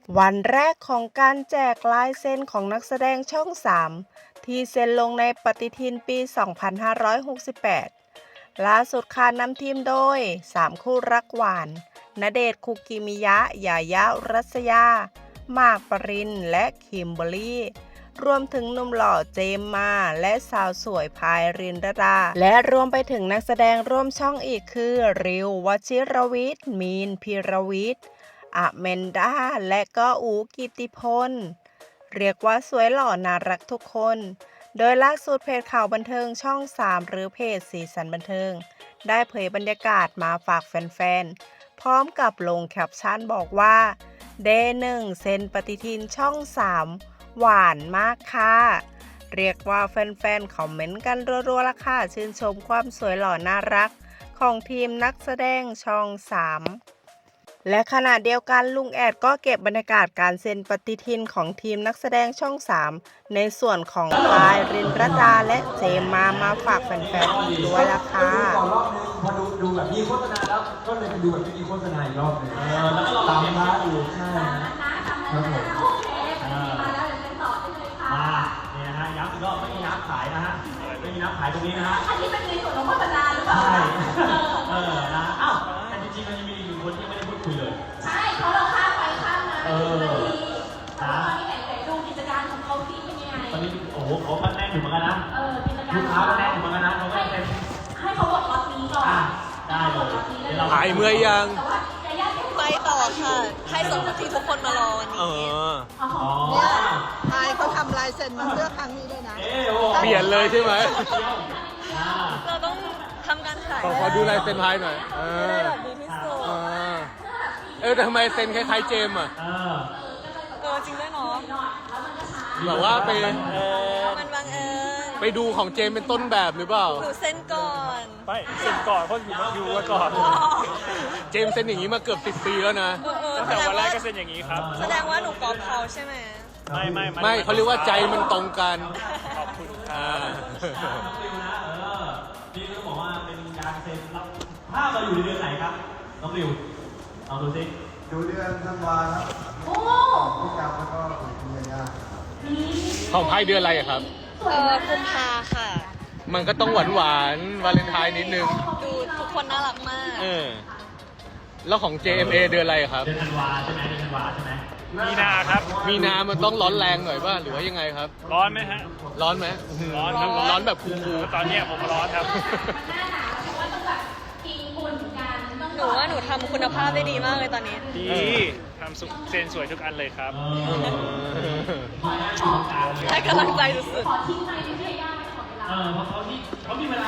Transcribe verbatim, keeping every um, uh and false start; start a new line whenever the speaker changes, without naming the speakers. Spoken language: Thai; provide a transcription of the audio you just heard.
วันแรกของการแจกลายเซ็นของนักแสดงช่อง สาม ที่เซ็นลงในปฏิทินปี สองพันห้าร้อยหกสิบแปด ล่าสุดค่ะนำทีมโดย สาม คู่รักหวาน ณเดชน์ คุกิมิยะ ยายา รัสยา หมาก ปริน และคิมเบอรรี่ รวมถึงหนุ่มหล่อเจมมา และสาวสวยพายรินดาดา และรวมไปถึงนักแสดงร่วมช่องอีกคือ ริว วชิรวิทย์ มีน พีรวิทย์อแมนดา และก็อู๋กิตติพล เรียกว่าสวยหล่อน่ารักทุกคน โดยล่าสุดเพจข่าวบันเทิงช่อง สาม หรือเพจสีสันบันเทิง ได้เผยบรรยากาศมาฝากแฟนๆ พร้อมกับลงแคปชั่นบอกว่า เดย์หนึ่งเซ็นปฏิทินช่อง สาม หวานมากค่ะ เรียกว่าแฟนๆ คอมเมนต์กันรัวๆละค่ะชื่นชมความสวยหล่อน่ารักของทีมนักแสดงช่อง สาม และขณะเดียวกันลุงแอดก็เก็บบรรยากาศการเซ็นปฏิทินของทีมนักแสดงช่อง สาม ในส่วนของพายรินรดาและเจมมามาฝากแฟนๆอีกด้วยละค่ะ
ก่อนรอบนึงพอดูดูแบบมีโฆษณาแล้วก็เลยไปดูแบบไม่มีโฆษณาอีกรอบนึงเออแล้วก็ตามร้านอยู่ใช่ครับผม
โอเคมาแล้วเดี๋ยวเป็นต่อได้เลยค่ะ
มาเนี่ยนะฮะย้ำอีกรอบไม่มีน้ำขายนะฮะไม่มีน้ำขายตรงนี้นะฮะ
อันนี้เป็นในส่วนของโฆษณาหรือเปล่า
ใช่เออนะอ้าวแต่จริงๆมันยังมีอีกหนึ่งคนที่ยังไม่ได้พูดคุยเลย
ใช่เพราะเราข้ามไปข้ามมา
เอ
เป็น
อ
นาทีแต่ว่าตอนนี้ไหนๆดูกิจการของเขาที่เป็นยังไง
ตอนนี้โอ้โหเขาก็แน่นอยู่เหมือนกันนะ
เออกิจการ
ลูกค้าก็แน่นอยู่เหมือนกันนะเขาก็
ให้
เป็น
ให้เขาบอกล็อตนี้ก่อน
อ่ะได้เลยเดี๋ยวเรา
หายเมื่อยยัง
แต่ว่าแต่ญาติ
ไปต่อค่ะ ให้สองนาทีทุกคนมารอวัน
เอ
นี้
อ
อ๋อ
อ๋อ
พายเขาทำลายเซ็นมาเพื่อครั้งนี้ด้วยนะ
เอ๊ะโอ้
เปลี่ยนเลยใช่ไหม
อ่า
เราต้องทำการขาย
ขอขอดูลายเซ็นพายหน่อย เอ
ให้ได้
อ
แบบดีที่สุด
เออเออแต่ทำไมเซ็นคล้ายๆเจมส์อ่ะ
เออ
เออจริงด้วยเนาะ
แบบว่าไปเออ
มันบังเอิญ
ไปดูของเจมส์เป็นต้นแบบหรือเปล่า
หนูเซ็นก่อน
ไปเซ็นก่อนเพราะอยู่อยู่มาก่อน
เจมส์เซ็นอย่างนี้มาเกือบสิบปีแล้วนะ
เออเออ
ตั้ง
แส
แต่
ดง
วันแร
ว่าก
ก็เซ็นอย่างนี้ครับ
แสดงว่าหนูกอบเขาใช่ไหม
ไม่ไม่
ไม่เขาเรียกว่าใจมันตรงกัน
ขอบคุณค
อ่า
รับ
น้องริวนะเออนี่ต้องบอกว่าเป็นการเซ็นรับภาพเราอยู่ในเดือนไหนครับน้องริวลองดูสิ
ดูเดือนธันวาครับ
โอ้
พี่กาวแล้วก็คุณยายา
ของพายเดือนอะไรอะครับ
เออกุมภาค่ะ
มันก็ต้องหวานหวานๆวาเลนไทน์นิดนึง
ดูทุกคนน่ารักมาก
เออ แล้วของ เจ เอ็ม เอ เดือนอะไรอะครับ
เดือนธันวาใช่ไหมเดือนธันวาใช่ไหม
มีนาครับ
มีนามันต้องร้อนแรงหน่อยป่ะ หรือว่ายังไงครับ
ร้อนไหมฮะ
ร้อนไหม
ร้อนครับ
ร้อนแบบคูล
ตอนเนี้ยผมร้อนครับ
หน้าหนาวเพราะว่าต้องแบบกินฝุ่นกันต้อง
หนูว่าหนูทำคุณภาพได้ดีมากเลยตอนนี้
ดีทำสุเซ็นสวยทุกอันเลยครับ
ให้กำลังใจสุด
ขอทิ้งไมค์ที่พี่ย่าไม่ขอเวลา
เออเพราะเขาที่เขามีเวลา